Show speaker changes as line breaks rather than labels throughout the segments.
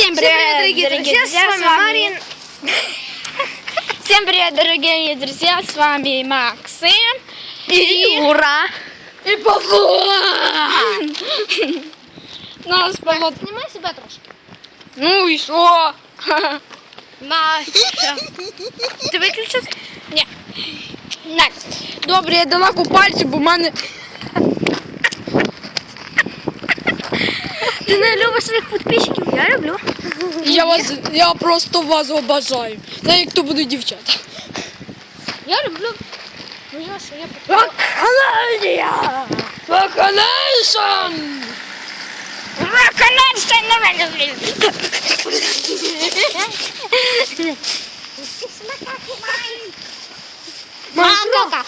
Всем привет, дорогие друзья, с вами Марин. Всем привет, дорогие друзья, с вами Максим
и Ура.
И Павло. Нас Павло.
Снимай себя трошки.
Ну и що?
Настя. Ти виключив?
Ні. Так. Добре, я дала пальці, бо в мене...
Ти не любиш своїх підписчиків? Я люблю.
Я просто вас обожаю. Знаєте, як то будуть дівчата.
Я люблю. Ну я що, я
Вакханалія! Вакханалія!
Макака.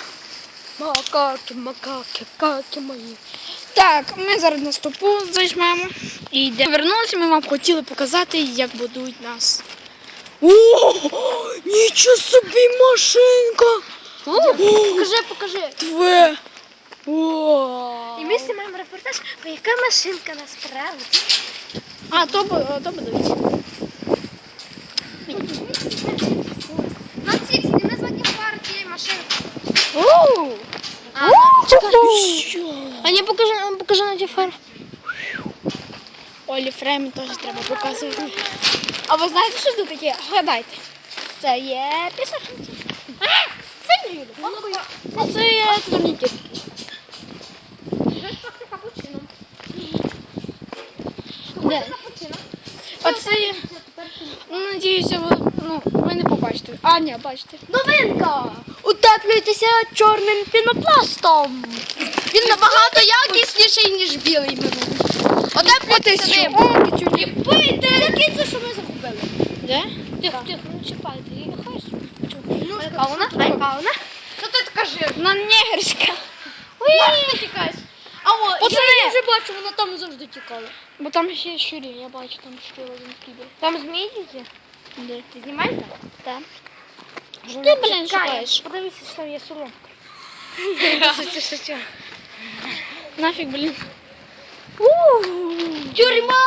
Макаки мої. Так, ми зараз на стопу зажмемо і йдемо. Повернулися, ми вам хотіли показати, як будують нас. О, нічого собі машинка!
Покажи.
Тве! О.
І ми знімаємо репортаж, бо яка машинка насправді.
А, то будують.
На ці не названі партії машинки. А не покажи на ті фар.
Олі Фремі теж треба показувати. А ви знаєте, що це таке? Гадайте.
Це є пісочниці. Це не Юлі.
А це є турнікет.
Це капучино.
Де? Оце є... Надіюся, ви не побачите. А, ні, бачите.
Новинка! Утеплюйтеся чорним пінопластом. Він набагато якісніший, ніж білий минулий. Утеплюйтеся ним. І пийте! Який це, що ми загубили?
Де?
Тихо, не чіпайте. Я хай яка вона? Що ти така жирна?
Вона негерська.
Ой, ти тікаєш. А о,
Пацани!
я вже бачу, вона там завжди тікала.
Бо там ще щурі, я бачу, там щурі один кібер.
Там змії є?
Де?
Ти знімаєш?
Так.
Що
ти, блін, шукаєш?
Подивися, що є соломка.
Нафіг, блін.
Тюрма!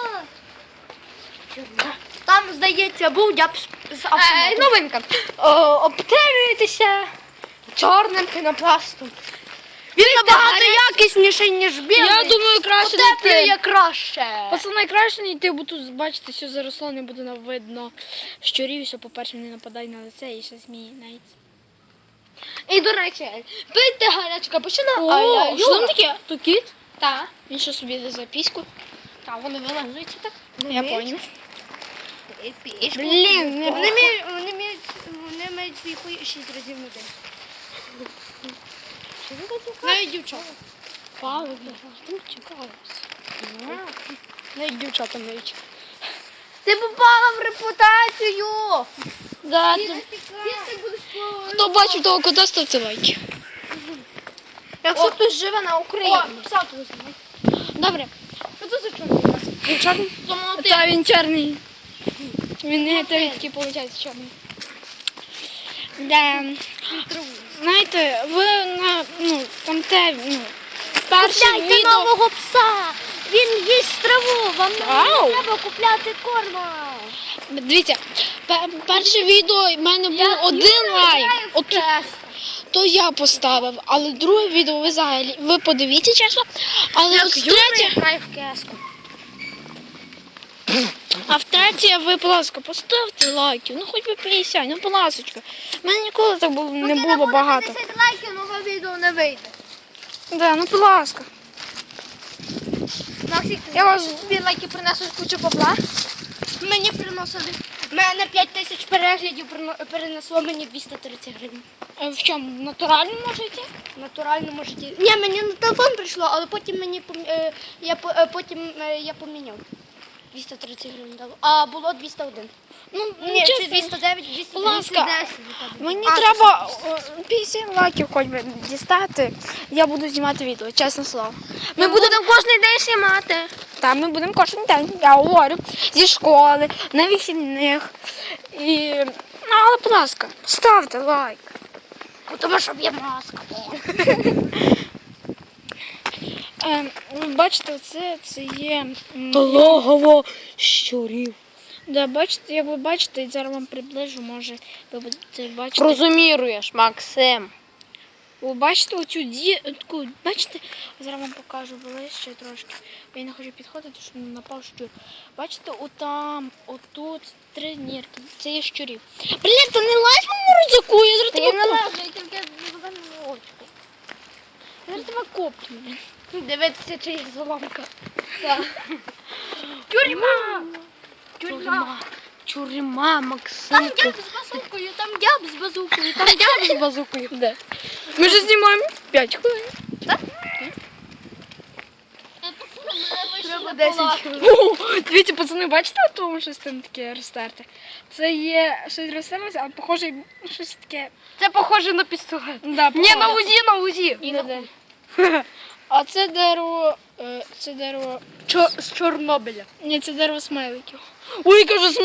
Там, здається, був дяб з автоматом.
Новинка.
Обтелюєтеся чорним пінопластом. Він набагато якісніший, ніж білий.
Я думаю, краще не
Утеплює
йти.
краще.
Пацани, краще не йти, бо тут, бачите, все заросло, не буде видно щурів, що, по-перше, не нападай на лице і ще змії навіть.
І, до речі, пийте гарячу капучино, а
О,
я
що там таке? То кіт?
Так.
Він що собі за записку?
Так, вони вилазуються так.
Я поняв.
Блін,
не
вони мають свій хуй 6 разів на день. Що ви такі?
Навіть дівчата. Павло, там цікаво. Навіть дівчата мають.
Ти попала в репутацію!
Да,
Ти будеш
хто бачив того кота, ставте лайки.
Якщо хтось живе на Україні.
О, пса тут знімай. Добре.
Що це за чорний?
Він чорний? Так, він чорний. Він не такий, виходить, чорний. Да. Знаєте, ви на, там перше
Купляйте
відео...
нового пса! Він їсть траву, вам не
Ау.
треба купляти корма.
Дивіться, перше відео в мене було один лайк. То я поставив, але друге відео ви взагалі, ви подивіться чесно, але от третє...
грає в кеску.
А в третє ви, будь ласка, поставте лайків, ну хоч би 50, ну будь ласочка. У мене ніколи так не було багато.
10 лайків, нове відео не вийде.
Да, ну будь ласка.
Максик,
Я вас...
тобі лайки принесуть кучу бабла. Мені приносили. Мене 5000 переглядів перенесло мені 230 гривень.
В чому? В натуральному можете?
В натуральному житті. Ні, мені на телефон прийшло, але потім я поміняв. 230 гривень дало. А було 201.
Ну,
Ні,
чесно,
це 209, 210.
будь ласка, мені треба 50 лайків хоч би дістати, я буду знімати відео, чесне слово.
Ми будемо кожен день знімати.
Там ми будемо кожен день, я говорю, зі школи, на вихідних. І... Ну, але, будь ласка, ставте лайк.
Тому що є маска.
Бачите, це є...
Логово щурів.
Да, бачите, як ви бачите, і зараз вам приближу, може ви будете бачити.
Розуміруєш, Максим.
Ви бачите оцю таку, бачите, зараз вам покажу ближче трошки. Бо я не хочу підходити, щоб не напав щур. Бачите, отам, отут 3 нірки. Це є щурів. Блін, та не лазь мені на рюкзаку, я зараз тебе копну.
я тільки в очку.
Я зараз тебе копну.
Дивитися, чи є золомка.
Тюрма!
Тюрма,
Там
Максим.
дяб з базукою, там дяб з базукою, там дяб з базукою. Де? Ми вже знімаємо 5 хвилин.
Треба 10 хвилин.
О, дивіться, пацани, бачите, от тому щось там таке розтерте? Це є щось розтерлося, а похоже щось таке.
Це похоже на пістолет.
Да,
Ні, на УЗІ, на УЗІ.
І на А це дерево,
З Чорнобиля.
ні, це дерево смайликів. Ой, кажу,